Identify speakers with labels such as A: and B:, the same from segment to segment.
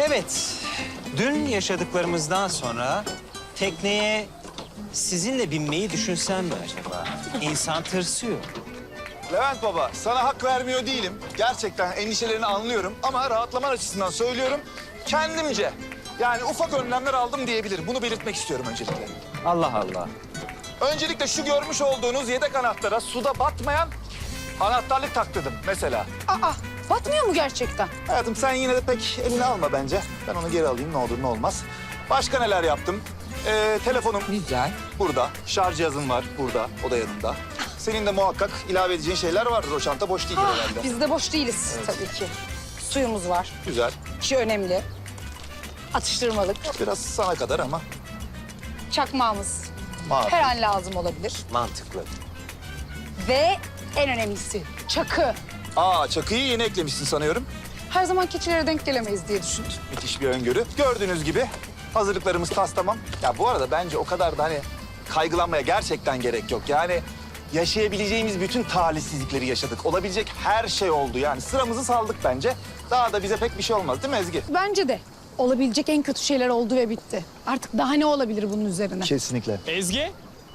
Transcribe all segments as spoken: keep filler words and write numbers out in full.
A: Evet, dün yaşadıklarımızdan sonra tekneye sizinle binmeyi düşünsem mi acaba? İnsan tırsıyor.
B: Levent Baba, sana hak vermiyor değilim. Gerçekten endişelerini anlıyorum ama rahatlaman açısından söylüyorum. Kendimce, yani ufak önlemler aldım diyebilirim. Bunu belirtmek istiyorum öncelikle.
A: Allah Allah.
B: Öncelikle şu görmüş olduğunuz yedek anahtara suda batmayan anahtarlık taktırdım mesela.
C: Aa, batmıyor mu gerçekten?
B: Hayatım sen yine de pek eline alma bence. Ben onu geri alayım ne olur ne olmaz. Başka neler yaptım? Ee, telefonum
D: Güzel.
B: burada, şarj cihazım var burada, o da yanımda. Senin de muhakkak ilave edeceğin şeyler vardır. O çanta boş değildir
C: Ah,
B: herhalde.
C: biz de boş değiliz tabii ki. Suyumuz var.
B: Güzel.
C: Ki önemli. Atıştırmalık.
B: Biraz sana kadar ama
C: Çakmağımız.
B: mavi.
C: Her an lazım olabilir.
A: Mantıklı.
C: Ve en önemlisi çakı.
B: Aa, çakıyı yeni eklemişsin sanıyorum.
C: Her zaman keçilere denk gelemeyiz diye düşündüm.
B: Müthiş bir öngörü. Gördüğünüz gibi hazırlıklarımız tas tamam. Ya bu arada bence o kadar da hani kaygılanmaya gerçekten gerek yok. Yani yaşayabileceğimiz bütün talihsizlikleri yaşadık. Olabilecek her şey oldu yani. Sıramızı saldık bence. Daha da bize pek bir şey olmaz değil mi Ezgi?
C: Bence de. Olabilecek en kötü şeyler oldu ve bitti. Artık daha ne olabilir bunun üzerine?
B: Kesinlikle.
E: Ezgi?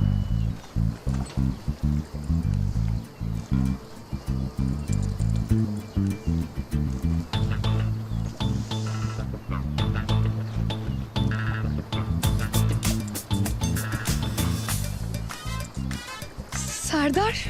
C: Serdar.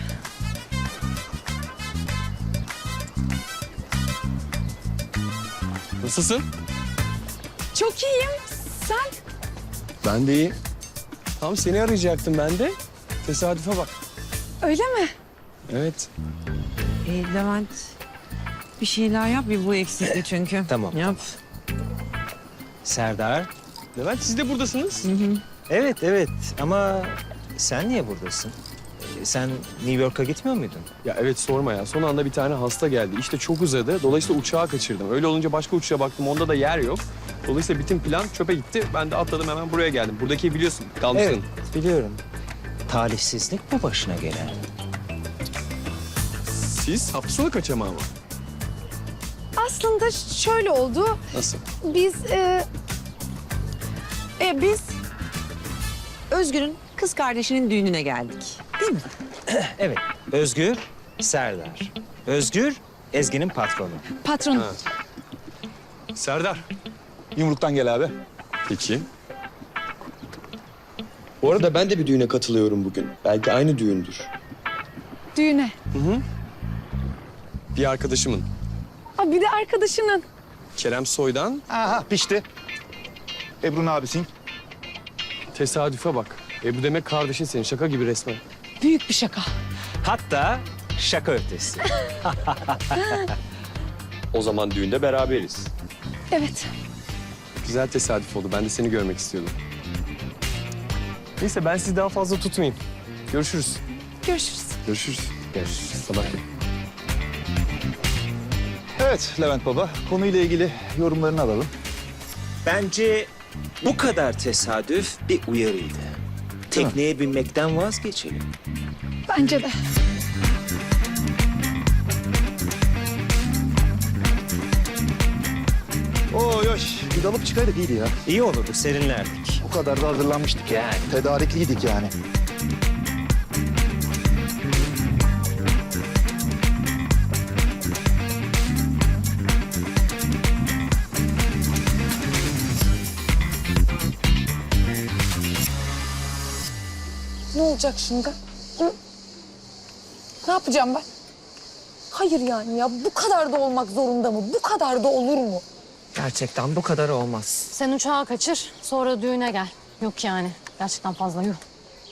E: Nasılsın?
C: Çok iyiyim. Sen?
E: Ben de iyi. Tam seni arayacaktım ben de. Tesadüfe bak.
C: Öyle mi?
E: Evet.
D: E, Levent bir şeyler yap bir bu eksikti çünkü.
A: Tamam.
D: Yap.
A: Serdar.
E: Levent siz de buradasınız.
A: Evet, evet ama sen niye buradasın? Ee, Sen New York'a gitmiyor muydun?
E: Ya evet sorma ya. Son anda bir tane hasta geldi. İşte çok uzadı. Dolayısıyla uçağı kaçırdım. Öyle olunca başka uçağa baktım. Onda da yer yok. Dolayısıyla bütün plan çöpe gitti. Ben de atladım hemen buraya geldim. Buradaki biliyorsun. Kalmışsın.
A: Evet, biliyorum. Talihsizlik mi başına gelen?
E: Siz hafta sonu kaçamağı mı?
C: Aslında şöyle oldu.
E: Nasıl?
C: Biz e,
D: E, biz Özgür'ün kız kardeşinin düğününe geldik. Değil mi?
A: Evet, Özgür, Serdar. Özgür, Ezgi'nin patronu.
C: patron.
E: Serdar.
B: Yumruktan gel abi.
E: Peki. Bu arada ben de bir düğüne katılıyorum bugün. Belki aynı düğündür.
C: Düğüne.
E: Bir arkadaşımın.
C: Aa, bir de arkadaşının.
E: Kerem Soy'dan.
B: Aha pişti. Ebru'nun abisin.
E: Tesadüfe bak. E bu demek kardeşin senin. Şaka gibi resmen.
C: Büyük bir şaka.
A: Hatta şaka ötesi.
E: O zaman düğünde beraberiz.
C: Evet.
E: Güzel tesadüf oldu. Ben de seni görmek istiyordum. Neyse ben sizi daha fazla tutmayayım. Görüşürüz.
C: Görüşürüz.
E: Görüşürüz.
A: Görüşürüz.
E: Sabah.
B: Evet Levent Baba, konuyla ilgili yorumlarını alalım.
A: Bence bu kadar tesadüf bir uyarıydı. Tekneye binmekten vazgeçelim.
C: Bence de.
B: Oy oy, bir dalıp çıkaydık iyiydi ya.
A: İyi olurdu, serinlerdik.
B: O kadar da hazırlanmıştık ya.
A: Yani.
B: Tedarikliydik yani.
C: Ne olacak şimdi? Hı? Ne yapacağım ben? Hayır yani ya bu kadar da olmak zorunda mı? Bu kadar da olur mu?
D: Gerçekten bu kadar olmaz.
F: Sen uçağı kaçır, sonra düğüne gel. Yok yani, gerçekten fazla yok.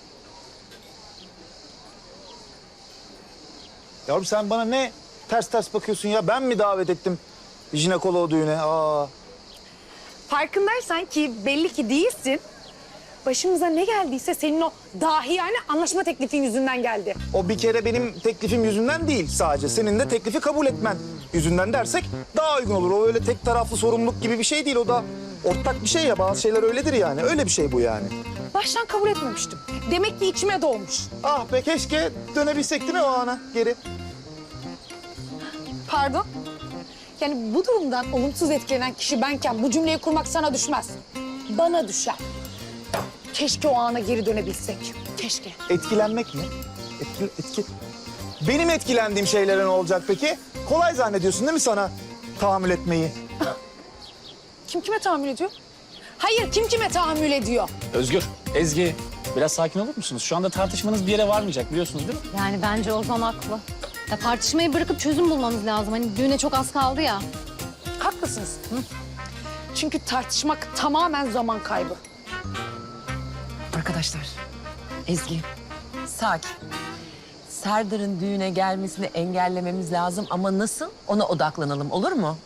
B: Yavrum sen bana ne ters ters bakıyorsun ya? Ben mi davet ettim jinekoloğu düğüne? Aa.
C: Farkındaysan ki belli ki değilsin. Başımıza ne geldiyse senin o dahi yani anlaşma teklifin yüzünden geldi.
B: O bir kere benim teklifim yüzünden değil sadece. Senin de teklifi kabul etmen yüzünden dersek daha uygun olur. O öyle tek taraflı sorumluluk gibi bir şey değil. O da ortak bir şey ya. Bazı şeyler öyledir yani. Öyle bir şey bu yani.
C: Baştan kabul etmemiştim. Demek ki içime doğmuş.
B: Ah be keşke dönebilsek değil mi o ana geri?
C: Pardon? Yani bu durumdan olumsuz etkilenen kişi benken bu cümleyi kurmak sana düşmez. Bana düşer. Keşke o ana geri dönebilsek. Keşke.
B: Etkilenmek mi? Etki, etki... Benim etkilendiğim şeylere ne olacak peki? Kolay zannediyorsun değil mi sana tahammül etmeyi?
C: Kim kime tahammül ediyor? Hayır, kim kime tahammül ediyor?
G: Özgür, Ezgi biraz sakin olur musunuz? Şu anda tartışmanız bir yere varmayacak biliyorsunuz değil mi?
F: Yani bence Ozan haklı. Ya tartışmayı bırakıp çözüm bulmamız lazım. Hani düğüne çok az kaldı ya.
C: Haklısınız. Hı? Çünkü tartışmak tamamen zaman kaybı.
H: Arkadaşlar, Ezgi, sakin. Serdar'ın düğüne gelmesini engellememiz lazım ama nasıl? Ona odaklanalım, olur mu?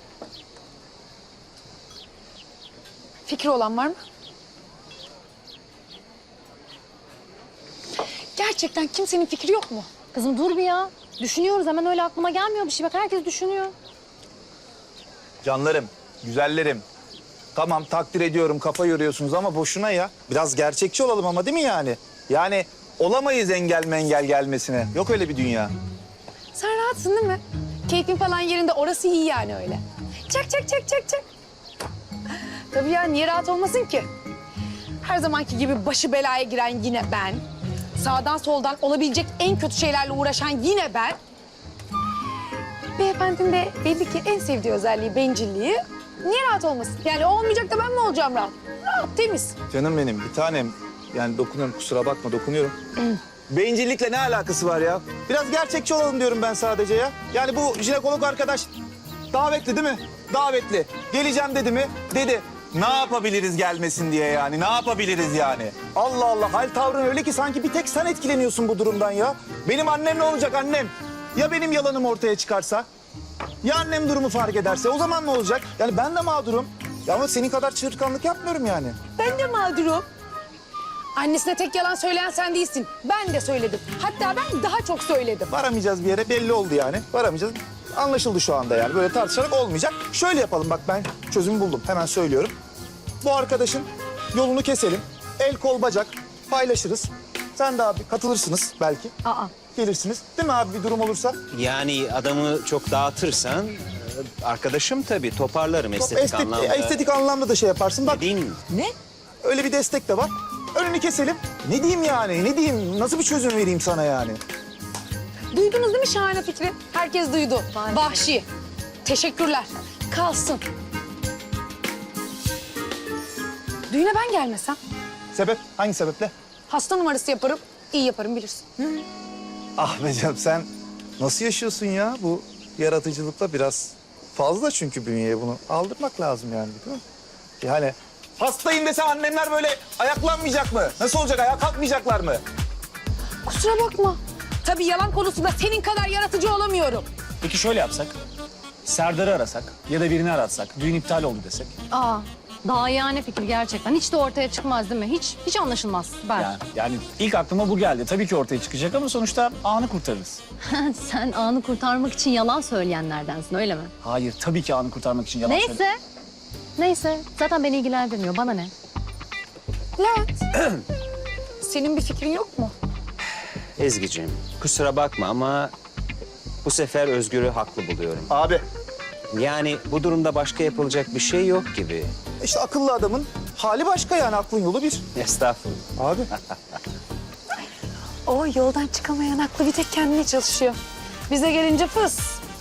C: Fikri olan var mı? Gerçekten kimsenin fikri yok mu?
F: Kızım dur bir ya. Düşünüyoruz hemen öyle aklıma gelmiyor bir şey. Bak herkes düşünüyor.
B: Canlarım, güzellerim. Tamam takdir ediyorum kafa yoruyorsunuz ama boşuna ya. Biraz gerçekçi olalım ama değil mi yani? Yani olamayız engel mengel gelmesine. Yok öyle bir dünya.
C: Sen rahatsın değil mi? Keyfin falan yerinde, orası iyi yani öyle. Çak çak çak çak çak. Tabii ya, niye rahat olmasın ki? Her zamanki gibi başı belaya giren yine ben. Sağdan soldan olabilecek en kötü şeylerle uğraşan yine ben. Beyefendinin de belli ki en sevdiği özelliği bencilliği. Niye rahat olmasın? Yani o olmayacak da ben mi olacağım rahat? Rahat, temiz.
B: Canım benim bir tanem. Yani dokunuyorum kusura bakma dokunuyorum. Bencillikle ne alakası var ya? Biraz gerçekçi olalım diyorum ben sadece ya. Yani bu jinekolog arkadaş davetli değil mi? Davetli. Geleceğim dedi mi? Dedi. Ne yapabiliriz gelmesin diye yani? Ne yapabiliriz yani? Allah Allah hal tavrın öyle ki sanki bir tek sen etkileniyorsun bu durumdan ya. Benim annem ne olacak annem? Ya benim yalanım ortaya çıkarsa? Ya annem durumu fark ederse o zaman ne olacak? Yani ben de mağdurum. Ya ama senin kadar çırtkanlık yapmıyorum yani.
C: Ben de mağdurum. Annesine tek yalan söyleyen sen değilsin. Ben de söyledim. Hatta ben daha çok söyledim.
B: Varamayacağız bir yere belli oldu yani. Varamayacağız. Anlaşıldı şu anda yani. Böyle tartışarak olmayacak. Şöyle yapalım bak ben çözümü buldum. Hemen söylüyorum. Bu arkadaşın yolunu keselim. El kol bacak paylaşırız. Sen de abi katılırsınız belki.
F: Aa.
B: Gelirsiniz. Değil mi abi bir durum olursa?
A: Yani adamı çok dağıtırsan e, arkadaşım tabii toparlarım
B: Çok
A: estetik,
B: estetik,
A: anlamda.
B: estetik anlamda da şey yaparsın. Bak
A: Değil mi?
H: Ne?
B: öyle bir destek de var. Önünü keselim. Ne diyeyim yani? Ne diyeyim? Nasıl bir çözüm vereyim sana yani?
C: Duydunuz değil mi şahane fikri? Herkes duydu.
F: Vay.
C: Vahşi. Teşekkürler. Kalsın. Düğüne ben gelmesem
B: Sebep? Hangi sebeple?
C: hasta numarası yaparım, iyi yaparım bilirsin.
B: Ah be canım sen nasıl yaşıyorsun ya bu yaratıcılıkla biraz fazla çünkü bünyeye bunu aldırmak lazım yani değil mi? Yani hastayım dese annemler böyle ayaklanmayacak mı? Nasıl olacak ayağa kalkmayacaklar mı?
C: Kusura bakma. Tabii yalan konusunda senin kadar yaratıcı olamıyorum.
G: Peki şöyle yapsak. Serdar'ı arasak ya da birini aratsak. Düğün iptal oldu desek.
F: Aa. Daha yani fikir gerçekten. Hiç de ortaya çıkmaz değil mi? Hiç hiç anlaşılmaz. Süper.
G: Yani, yani ilk aklıma bu geldi. Tabii ki ortaya çıkacak ama sonuçta anı kurtarırız.
F: Sen anı kurtarmak için yalan söyleyenlerdensin öyle mi?
G: Hayır tabii ki anı kurtarmak için yalan söyle-
F: Neyse. Neyse. Zaten beni ilgilendirmiyor. Bana ne?
C: Levent. Senin bir fikrin yok mu?
A: Ezgi'ciğim kusura bakma ama bu sefer Özgür'ü haklı buluyorum.
B: Abi
A: Yani bu durumda başka yapılacak bir şey yok gibi.
B: işte akıllı adamın hali başka yani aklın yolu bir.
A: Estağfurullah.
B: Abi
C: O yoldan çıkamayan aklı bir tek kendine çalışıyor. Bize gelince fıs.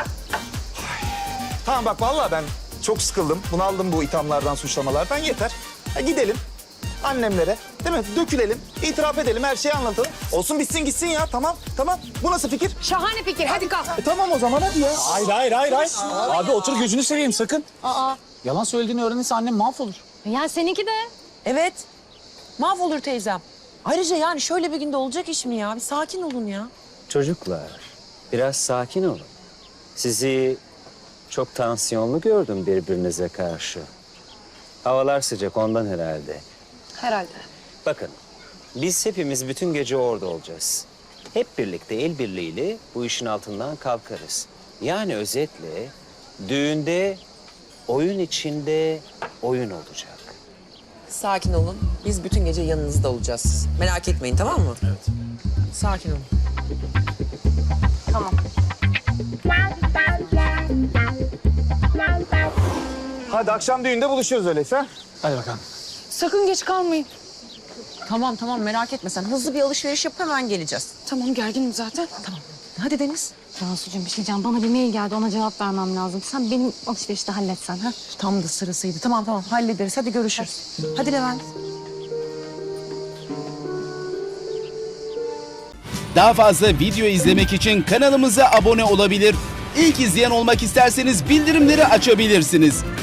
B: tamam bak vallahi ben çok sıkıldım. Bunaldım bu ithamlardan suçlamalardan yeter. Ha, gidelim annemlere değil mi dökülelim itiraf edelim her şeyi anlatalım. Olsun bitsin gitsin ya tamam tamam. Bu nasıl fikir?
C: Şahane fikir. Hadi kalk.
B: E, tamam o zaman hadi ya.
G: Hayır hayır hayır hayır. Abi otur gözünü seveyim sakın.
F: Aa.
G: Yalan söylediğini öğrenirse annem mahvolur.
F: Ya seninki de.
H: Evet. Mahvolur teyzem. Ayrıca yani şöyle bir günde olacak iş mi ya? Bir sakin olun ya.
A: Çocuklar biraz sakin olun. Sizi çok tansiyonlu gördüm birbirinize karşı. Havalar sıcak ondan herhalde.
C: Herhalde.
A: Bakın biz hepimiz bütün gece orada olacağız. Hep birlikte el birliğiyle bu işin altından kalkarız. Yani özetle düğünde oyun içinde oyun olacak.
H: Sakin olun. Biz bütün gece yanınızda olacağız. Merak etmeyin tamam mı? Evet. Sakin olun.
F: Tamam.
B: Hadi akşam düğünde buluşuyoruz öyleyse.
G: Hadi bakalım.
C: Sakın geç kalmayın.
H: Tamam tamam merak etme sen. Hızlı bir alışveriş yap hemen geleceğiz.
C: Tamam gerginim zaten.
H: Tamam. Hadi Deniz.
F: Cansucuğum bir şey diyeceğim. Bana bir mail geldi. Ona cevap vermem lazım. Sen benim alışverişi de halletsen. Ha?
H: Tam da sırasıydı. Tamam tamam hallederiz. Hadi görüşürüz. Hadi Levent.
I: Daha fazla video izlemek için kanalımıza abone olabilir. İlk izleyen olmak isterseniz bildirimleri açabilirsiniz.